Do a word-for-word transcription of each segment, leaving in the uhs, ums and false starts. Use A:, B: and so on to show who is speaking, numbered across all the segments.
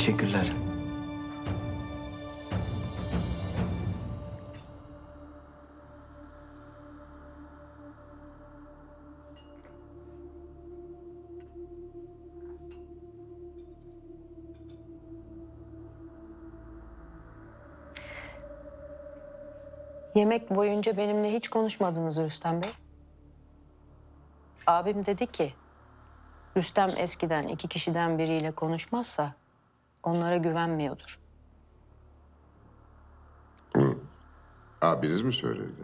A: Teşekkürler.
B: Yemek boyunca benimle hiç konuşmadınız Rüstem Bey. Abim dedi ki, Rüstem eskiden iki kişiden biriyle konuşmazsa onlara güvenmiyordur.
C: Bunu abiniz mi söyledi?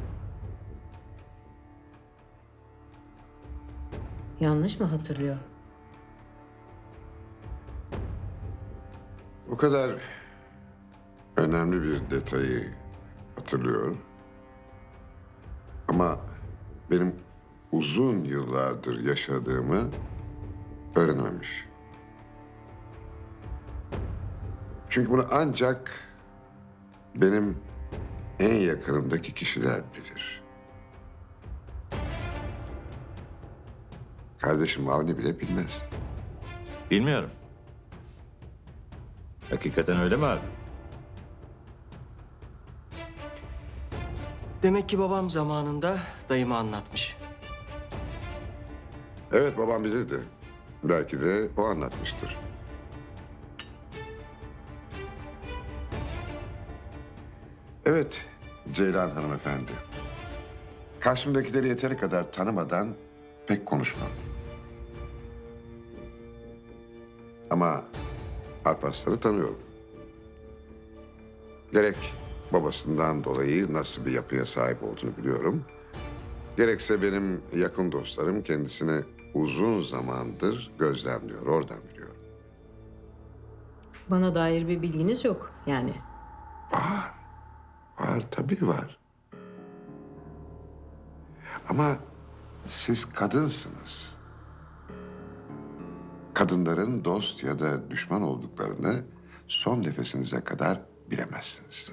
B: Yanlış mı hatırlıyor?
C: O kadar önemli bir detayı hatırlıyor. Ama benim uzun yıllardır yaşadığımı öğrenememiş. Çünkü bunu ancak benim en yakınımdaki kişiler bilir. Kardeşim Avni bile bilmez.
D: Bilmiyorum. Hakikaten öyle mi abi?
A: Demek ki babam zamanında dayıma anlatmış.
C: Evet, babam bilirdi. Belki de o anlatmıştır. Evet, Ceylan hanımefendi. Karşımdakileri yeteri kadar tanımadan pek konuşmam. Ama Alparslan'ı tanıyorum. Gerek babasından dolayı nasıl bir yapıya sahip olduğunu biliyorum. Gerekse benim yakın dostlarım kendisini uzun zamandır gözlemliyor, oradan biliyorum.
B: Bana dair bir bilginiz yok yani.
C: Var, var tabii var. Ama siz kadınsınız. Kadınların dost ya da düşman olduklarını son nefesinize kadar bilemezsiniz.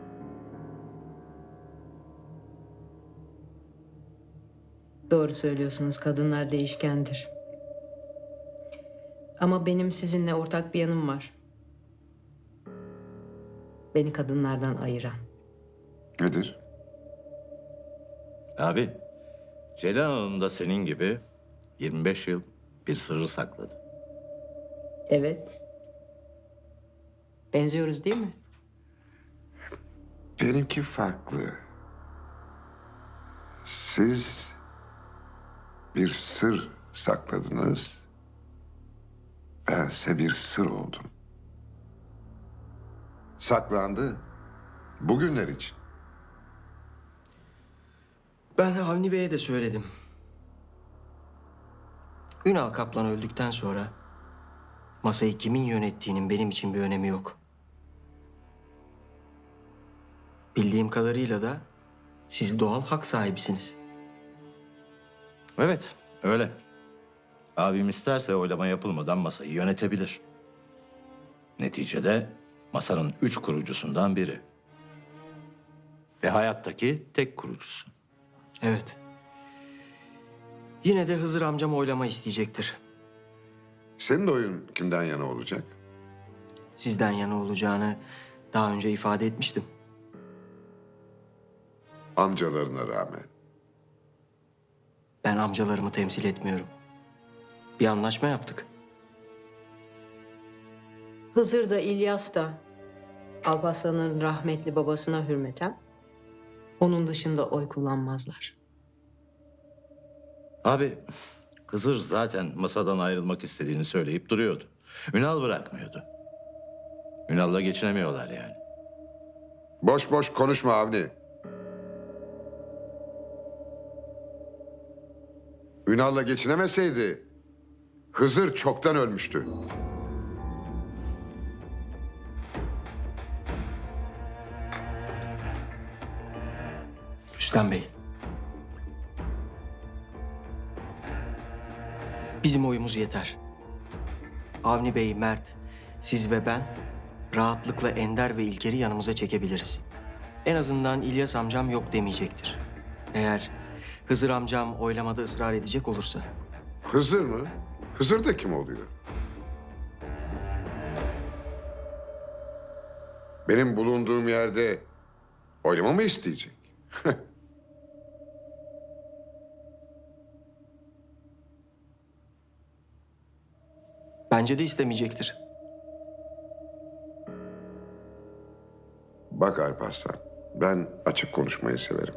B: Doğru söylüyorsunuz, kadınlar değişkendir. Ama benim sizinle ortak bir yanım var. Beni kadınlardan ayıran.
C: Nedir?
D: Abi, Ceylan Hanım da senin gibi yirmi beş yıl bir sırrı sakladı.
B: Evet. Benziyoruz değil mi?
C: Benimki farklı. Siz bir sır sakladınız. Bense bir sır oldum. Saklandı. Bugünler için.
A: Ben Avni Bey'e de söyledim. Ünal Kaplan öldükten sonra masayı kimin yönettiğinin benim için bir önemi yok. Bildiğim kadarıyla da siz doğal hak sahibisiniz.
D: Evet, öyle. Abim isterse oylama yapılmadan masayı yönetebilir. Neticede masanın üç kurucusundan biri. Ve hayattaki tek kurucusu.
A: Evet. Yine de Hızır amcam oylama isteyecektir.
C: Senin oyun kimden yana olacak?
A: Sizden yana olacağını daha önce ifade etmiştim.
C: Amcalarına rağmen.
A: Ben amcalarımı temsil etmiyorum. Bir anlaşma yaptık.
B: Hızır da İlyas da Alparslan'ın rahmetli babasına hürmeten onun dışında oy kullanmazlar.
D: Abi, Hızır zaten masadan ayrılmak istediğini söyleyip duruyordu. Ünal bırakmıyordu. Ünal'la geçinemiyorlar yani.
C: Boş boş konuşma Avni. Ünal'la geçinemeseydi Hızır çoktan ölmüştü.
A: Rüstem Bey. Bizim oyumuz yeter. Avni Bey, Mert, siz ve ben rahatlıkla Ender ve İlker'i yanımıza çekebiliriz. En azından İlyas amcam yok demeyecektir. Eğer Hızır amcam oylamada ısrar edecek olursa.
C: Hızır mı? Hızır da kim oluyor? Benim bulunduğum yerde oylama mı isteyecek?
A: Bence de istemeyecektir.
C: Bak Alparslan, ben açık konuşmayı severim.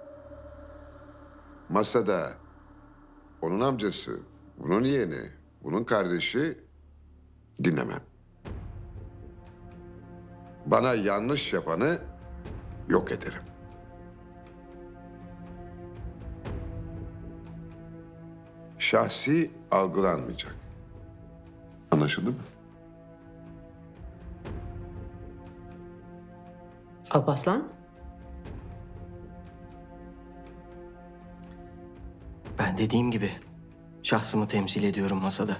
C: Masada onun amcası, bunun yeğeni, bunun kardeşi dinlemem. Bana yanlış yapanı yok ederim. Şahsi algılanmayacak. Anlaşıldı mı?
B: Alparslan?
A: Ben dediğim gibi şahsımı temsil ediyorum masada.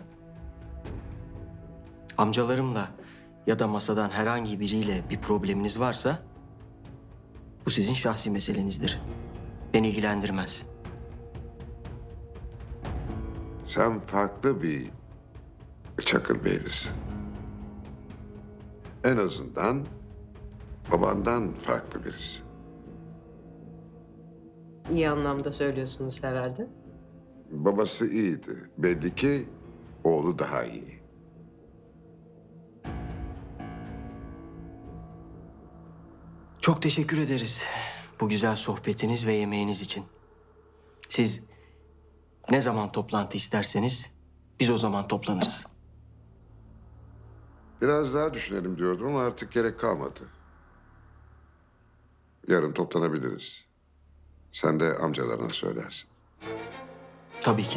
A: Amcalarımla ya da masadan herhangi biriyle bir probleminiz varsa bu sizin şahsi meselenizdir. Beni ilgilendirmez.
C: Sen farklı bir Çakırbeylisin. En azından babandan farklı birisi.
B: İyi anlamda söylüyorsunuz herhalde.
C: Babası iyiydi. Belli ki oğlu daha iyi.
A: Çok teşekkür ederiz bu güzel sohbetiniz ve yemeğiniz için. Siz ne zaman toplantı isterseniz biz o zaman toplanırız.
C: Biraz daha düşünelim diyordum ama artık gerek kalmadı. Yarın toplanabiliriz. Sen de amcalarına söylersin.
A: Tabii ki.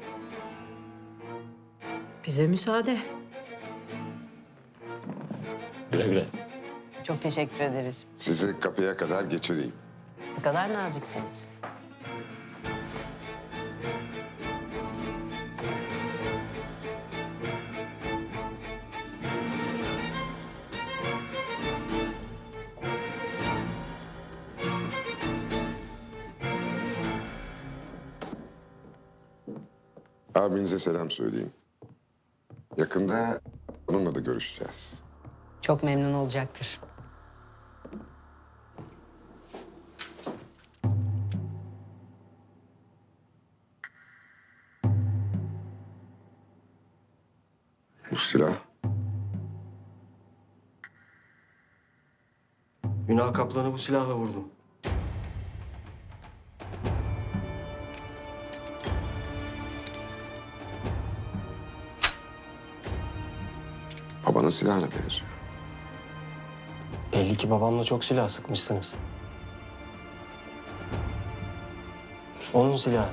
B: Bize müsaade.
D: Güle güle.
E: Çok teşekkür ederiz.
C: Sizi kapıya kadar geçireyim.
E: Ne kadar naziksiniz.
C: Abinize selam söyleyeyim. Yakında onunla da görüşeceğiz.
E: Çok memnun olacaktır.
C: Bu silah
A: Ünal Kaplan'ı bu silahla vurdum.
C: babanın silahına benziyor.
A: Belli ki babamla çok silah sıkmışsınız. Onun silahı.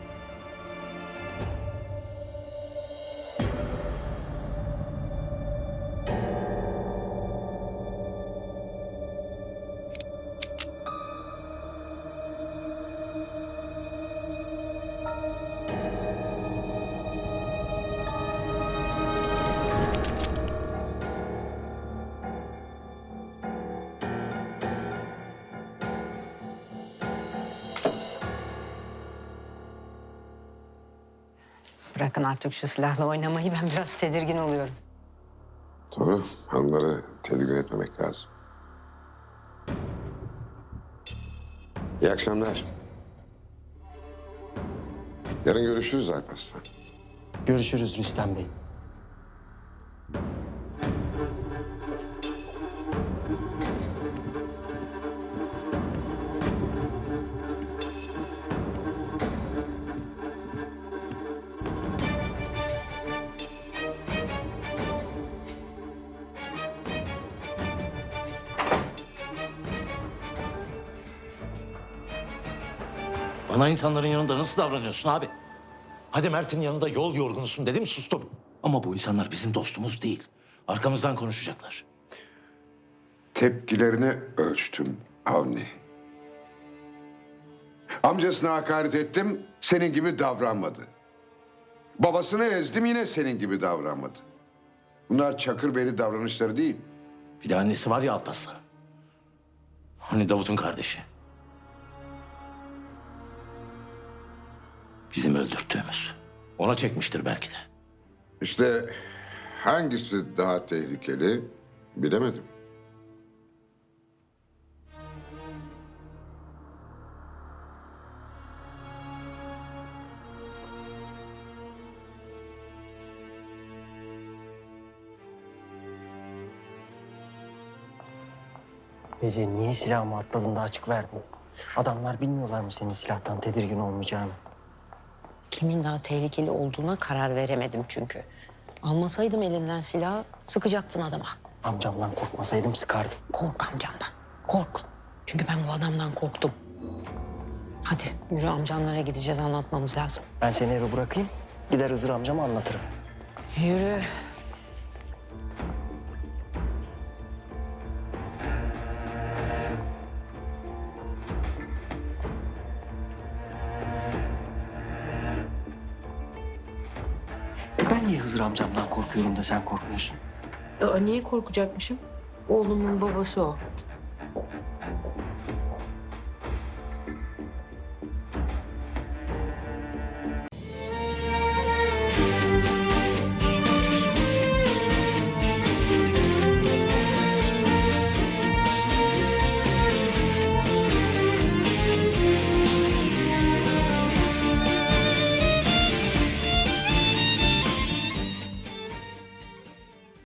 E: Bırakın artık şu silahla oynamayı. Ben biraz tedirgin oluyorum.
C: Doğru. Hanımları tedirgin etmemek lazım. İyi akşamlar. Yarın görüşürüz Alparslan.
A: Görüşürüz Rüstem Bey.
D: Bana insanların yanında nasıl davranıyorsun abi? Hadi Mert'in yanında yol yorgunusun dedim, sustum. Ama bu insanlar bizim dostumuz değil. Arkamızdan konuşacaklar.
C: Tepkilerini ölçtüm Avni. Amcasına hakaret ettim, senin gibi davranmadı. Babasını ezdim, yine senin gibi davranmadı. Bunlar Çakırbeyli davranışları değil.
D: Bir de annesi var ya Alparslan'ın. Hani Davut'un kardeşi. Bizim öldürttüğümüz. Ona çekmiştir belki de.
C: İşte hangisi daha tehlikeli bilemedim.
A: Ece niye silahımı atladın da açık verdin? Adamlar bilmiyorlar mı senin silahtan tedirgin olmayacağını?
E: Kimin daha tehlikeli olduğuna karar veremedim çünkü. Almasaydım elinden silahı sıkacaktın adama.
A: Amcamdan korkmasaydım sıkardım.
E: Kork amcandan. Kork. Çünkü ben bu adamdan korktum. Hadi yürü, amcanlara gideceğiz, anlatmamız lazım.
A: Ben seni eve bırakayım, gider Hızır amcama anlatırım.
E: Yürü.
A: E ben niye Hızır amcamdan korkuyorum da sen korkmuyorsun?
B: Aa, niye korkacakmışım? Oğlumun babası o.